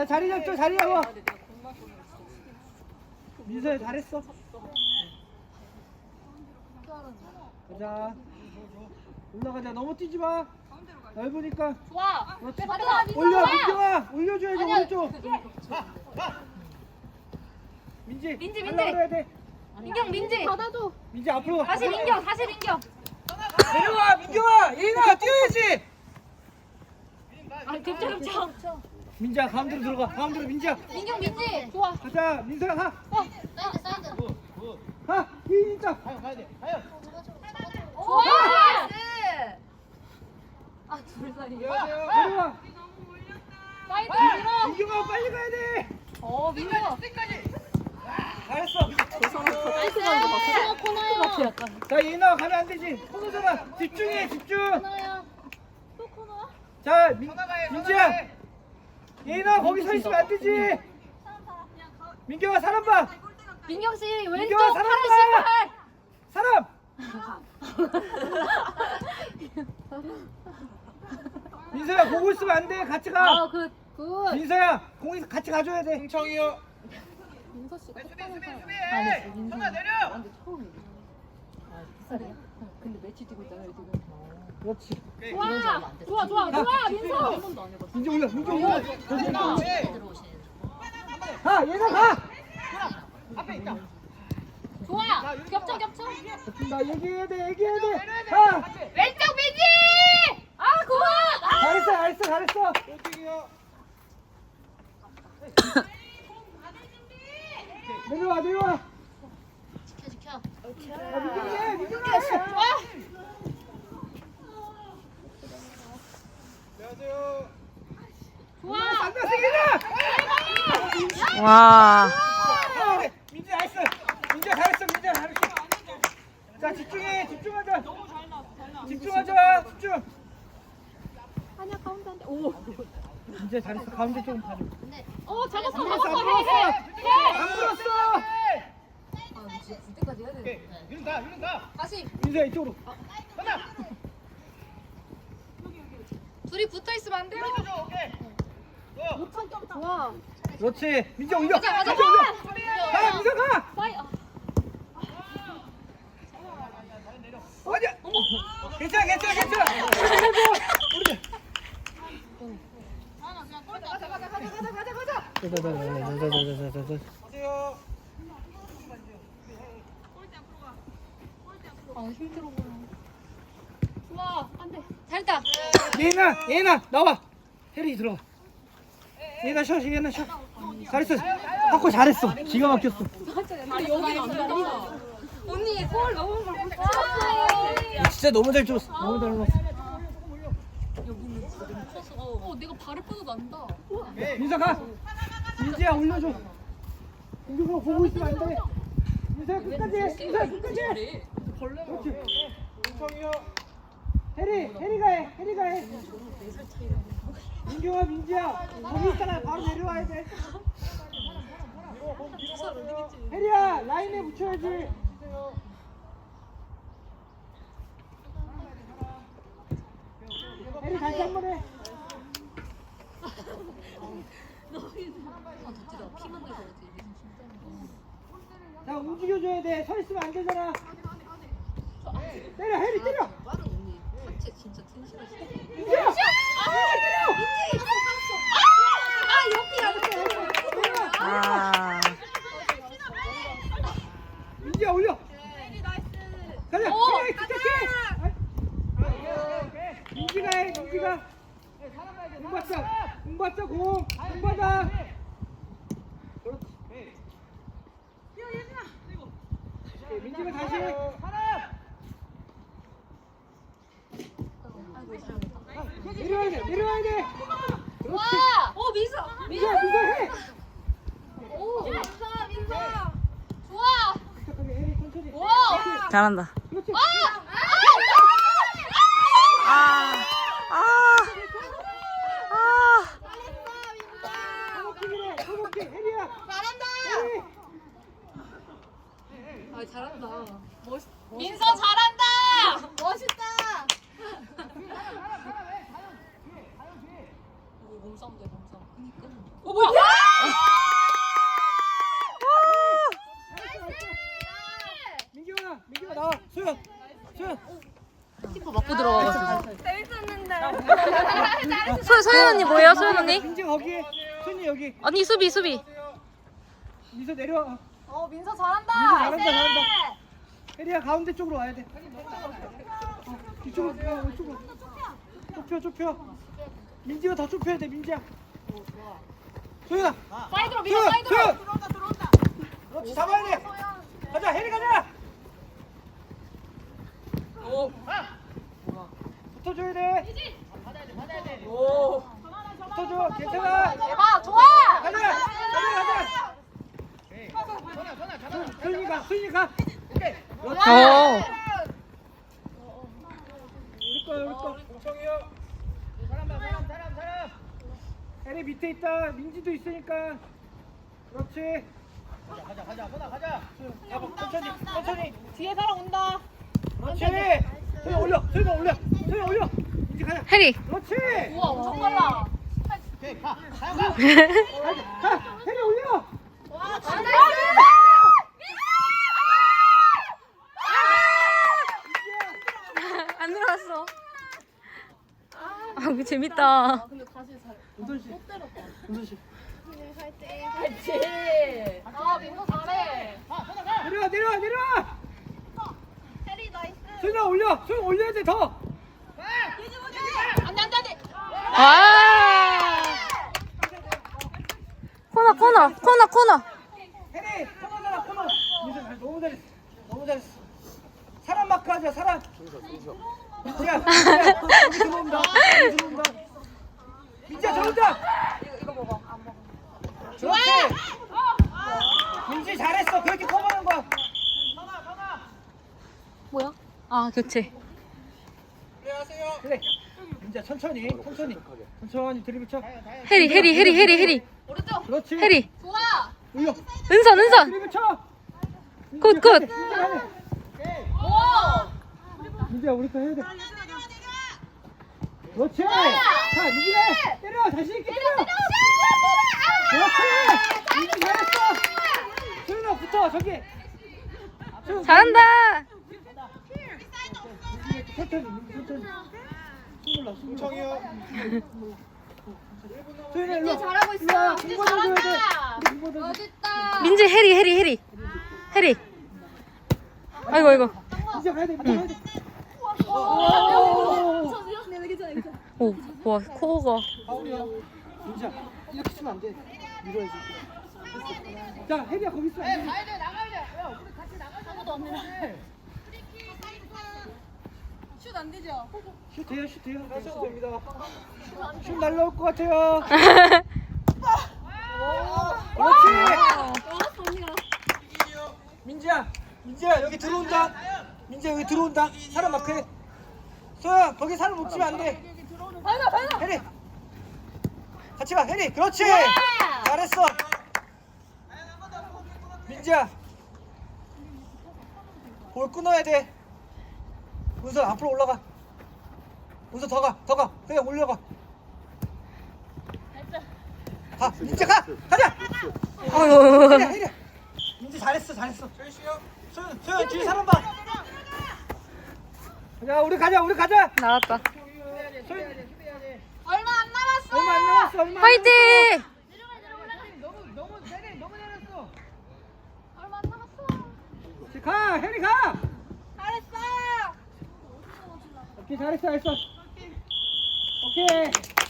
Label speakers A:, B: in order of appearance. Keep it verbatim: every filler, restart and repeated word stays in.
A: 자리 잡죠, 자리 잡아. 민서야 잘했어. 가자. 올라가자. 너무 뛰지 마. 넓으니까.
B: 좋아.
A: 그렇지.
B: 가자, 민서.
A: 올려, 민경아. 올려줘야지
B: 아니야.
A: 오른쪽. 민지.
B: 민지,
A: 가려고
B: 민지.
A: 그래야 돼.
B: 민경, 민지. 받아줘.
A: 민지 앞으로 가.
B: 다시 민경, 다시 민경.
A: 내려와, 민경아. 예인아 뛰어야지.
B: 아, 겹쳐, 겹쳐.
A: 민지야 가운데로 들어가. 가운데로 민지야.
B: 민경, 민지. 좋아.
A: 가자, 민서야 가.
B: 어. 사이드, 사이드.
A: 가. 예인 있다.
B: 좋아. 아, 둘 사이.
A: 내려와.
B: 사이드 밀어.
A: 민경아 빨리 가야 돼.
B: 어, 민경.
A: 잘했어.
B: 나이스. 코너, 코너야. 약간.
A: 자, 예인아 가면 안 되지. 코너잖아. 집중해, 집중.
B: 코너야. 또 코너야?
A: 자, 민, 민지야. 예인아 거기 서 있으면 안 되지. 민경아 사람 봐.
B: 민경 씨 왼쪽
A: 민경아 사람 봐.
B: 팔십팔.
A: 사람. 민서야 보고 있으면 안 돼. 같이 가.
B: 아, 그 굿.
A: 민서야 공이 같이 가줘야 돼.
C: 흥청이요.
B: 민서 씨
C: 수비 수비 수비.
B: 아니, 민서.
C: 정아 내려.
B: 근데 처음이야. 아, 비싸네. 근데 매치 뛰고 있잖아요, 지금.
A: 그렇지.
B: 좋아. 좋아, 좋아, 좋아, 민서.
A: 민지 올려. 민지 올려.
C: 가.
A: 가. 예인아 가.
C: 앞에 있다.
B: 좋아. 겹쳐, 겹쳐.
A: 나 얘기해야 돼. 얘기해야 돼. 가.
B: 왼쪽 민지. 아, 굿. 아.
A: 잘했어. 잘했어. 잘했어.
C: 왼쪽이요.
A: 내려와. 내려와.
B: 지켜, 지켜.
A: 야, 민경이. 민경아.
C: 안녕하세요.
B: 좋아.
A: 안돼 세기나.
D: 와.
A: 민지 나이스. 민지야 잘했어. 민지야 잘했어. 자 집중해. 집중하자. 집중하자. 집중.
B: 아니야, 가운데 안 돼. 오.
A: 민지야 잘했어. 가운데 조금 봐줘.
B: 어, 잡았어,
A: 안 불었어.
B: 잡았어.
A: 안
B: 해, 해.
A: 불었어.
B: 해.
A: 안 불었어.
B: 아, 진짜 줄 때까지 해야
C: 오케이.
B: 되는데.
C: 이리 가. 이리 가.
B: 다시.
A: 민지야 이쪽으로.
C: 하나.
B: 둘이 붙어 있으면 안 돼요.
C: 줘. 오케이. 고.
B: 좋아.
A: 그렇지. 민지 올려.
B: 가자, 가자.
A: 민지 올려. 가. 민지 가.
B: 사이. 아.
A: 어디야? 괜찮아. 괜찮아. 괜찮아. 우리 자자자자자자자자자.
C: 가세요.
B: 아, 힘들어 보여. 좋아. 안 돼. 잘했다.
A: 예나 예나 나와. 혜리 들어와. 예나 쉬어. 예나 쉬어. 잘했어. 하고 잘했어. 기가 막혔어.
B: 아, 여기 안 된다. 언니, 골 너무 잘 쳤어요.
A: 진짜 너무 잘 줬어. 너무 잘 넣었어.
B: 여기는 진짜 너무 커서. 어, 내가 발을 뻗어도 난다.
A: 민서 가. 민지야 올려줘. 민서가 보고 있으면 안 돼. 민서야 끝까지 해. 민서야 끝까지. 그렇지.
C: 흥청이요.
A: 혜리 혜리가 해. 혜리가 해. 민경아 민지야 거기 있잖아. 바로 내려와야 돼. 혜리야 라인에 붙여야지. 혜리 다시 한 번 해. 자 움직여줘야 돼. 서 있으면 안 되잖아. 때려 혜리 때려.
B: 하체 진짜 튼실하시다.
A: 민지야. 아 때려.
B: 아, 옆이 안 돼.
D: 아.
A: 민지야 올려. 가자.
B: 오,
A: 혜리 기특해. 민지가 해. 민지가. 공 받자. 공 받자 공. 공 받아. 그렇지. 오케이, 민지가 다시 해. 내려와야 돼. 내려와야 돼. 그렇지.
B: 와! 오, 민서!
A: 민지야 민서 해.
B: 오! 민서! 민서! 좋아!
A: 착하게 혜리 천천히.
B: 와!
D: 잘한다.
A: 그렇지.
B: 아!
D: 아. 아. 아.
A: 소복킹이래. 소복킹 혜리야.
B: 잘한다!
A: 혜리.
B: 아, 잘한다. 멋있... 민서 잘한다! 멋있다! 몸싸움 돼, 몸싸움. 어 뭐야?
A: 민규야, 민규야 나와. 소연, 소연.
B: 키퍼 맞고 들어가가지고.
D: 소, 소연 언니 뭐예요, 소연 언니?
A: 민지 거기, 소연이 여기.
D: 언니 수비, 수비.
A: 민서 내려와.
B: 어 민서 잘한다.
A: 민서 잘한다, 잘한다. 혜리야 가운데 쪽으로 와야 돼. 어, 이쪽으로, 어, 이쪽으로. 좁혀, 좁혀. 민지가 더 좁혀야 돼, 민지야. 소연아.
B: 사이드로 밀어
A: 소연,
B: 사이드로.
A: 소연. 그렇지, 잡아야 돼. 가자, 혜리 가자.
B: 오.
A: 붙어줘야 돼.
B: 오.
A: 붙어줘, 괜찮아.
B: 대박 좋아.
A: 가자, 가자, 가자. 소연이 가, 소연이 가. 오케이. 그렇지.
D: 어.
A: 우리 거야, 우리 거.
C: 공청이요. 사람 봐, 사람, 사람, 사람.
A: 혜리 밑에 있다. 민지도 있으니까. 그렇지.
C: 가자, 가자, 가자, 선아, 가자.
A: 가봐, 천천히, 천천히.
B: 뒤에 사람 온다.
A: 그렇지. 소연 올려, 소연 올려, 소연 올려. 민지 가자.
D: 해리.
A: 그렇지.
B: 우와 엄청 빨라.
C: 오케이, 가, 가요, 가.
A: 가자, 가. 혜리 올려.
B: 와 잘한다.
D: 안 들어왔어. 아, 이거 재밌다.
B: 근데 다시 잘.
A: 은선 씨. 은선 씨.
B: 그렇지. 아 민서 잘해.
A: 내려와, 내려와, 내려와. 소연아 올려, 소연 올려야 돼 더.
B: 안돼 안돼 안돼.
D: 아. 코너, 코너, 코너, 코너.
A: 혜리, 코너잖아, 코너. 민서 잘, 너무 잘했어, 너무 잘했어. 사람 마크하자, 사람. 민지야, 민지야, 여기 들어온다, 여기 들어온다. 민지야, 저 혼자.
B: 이거 먹어 안 먹어.
A: 그렇지. 민지 잘했어, 그렇게 커버하는 거야.
D: 뭐야? 아, 교체.
A: 그래. 민지야, 천천히, 천천히, 천천히 드리블 쳐.
D: 해리, 해리, 해리, 해리, 해리.
B: 오른쪽.
A: 그렇지.
D: 해리.
B: 좋아.
A: 올려.
D: 은선, 은선.
A: 드리블 쳐.
D: 굿, 굿.
A: 민지 가네.
B: 오.
A: 민지야, 우리 거 해야 돼. 그렇지. 자, 민지가 때려, 자신 있게 때려. 그렇지. 민지 잘했어. 소연아 붙어, 저기. 소연,
D: 잘한다.
A: 천천히, 민지 천천히. 숨 올라, 숨 올라.
C: 공청이요.
A: 소연아 일로.
B: 잘하고 있어.
A: 일로 와,
B: 민지
A: 공부 좀 줘야 돼.
B: 잘한다.
A: 우리 공부 좀 줘.
B: 멋있다.
D: 민지, 해리, 해리, 해리. 해리. 아이고, 아이고.
A: 민지야 가야 돼, 민지야 가야 돼.
B: 오.
D: 오, 와, 코어가.
A: 파울이야. 민지야, 이렇게 치면 안 돼. 밀어야지. 자, 혜리야 거기 있어. 안 돼.
C: 가야 돼, 나가야 돼. 야, 우리 같이 나가자.
B: 아무도 없네. 슛안 되죠?
A: 슛 돼요, 슛 돼요. 하셔도 됩니다. 슛 날라올 것 같아요. 그렇지. 민지야, 민지야 여기 들어온다. 민지야 여기 들어온다. 사람 마크해. 소야 거기 사람 놓치면 안 돼. 혜리. 같이 가, 혜리. 그렇지. 잘했어. 민지야. 볼 끊어야 돼. 문서 앞으로 올라가. 문서 더 가, 더 가. 그냥 올려가. 가, 민지 가, 가자.
D: 어휴.
A: 혜리야, 혜리야. 민지 잘했어, 잘했어. 소연, 소연 뒤에 사람 봐. 자, 우리 가자, 우리 가자.
D: 나왔다.
A: 소연,
B: 얼마 안 남았어.
A: 얼마 안 남았어, 얼마. 안
D: 화이팅!
C: 너무, 너무 내려, 너무 내렸어.
B: 얼마 안 남았어.
A: 남았어. 가, 혜리 가.
B: 잘했어.
A: 오케이, 잘했어, 잘했어. 오케이.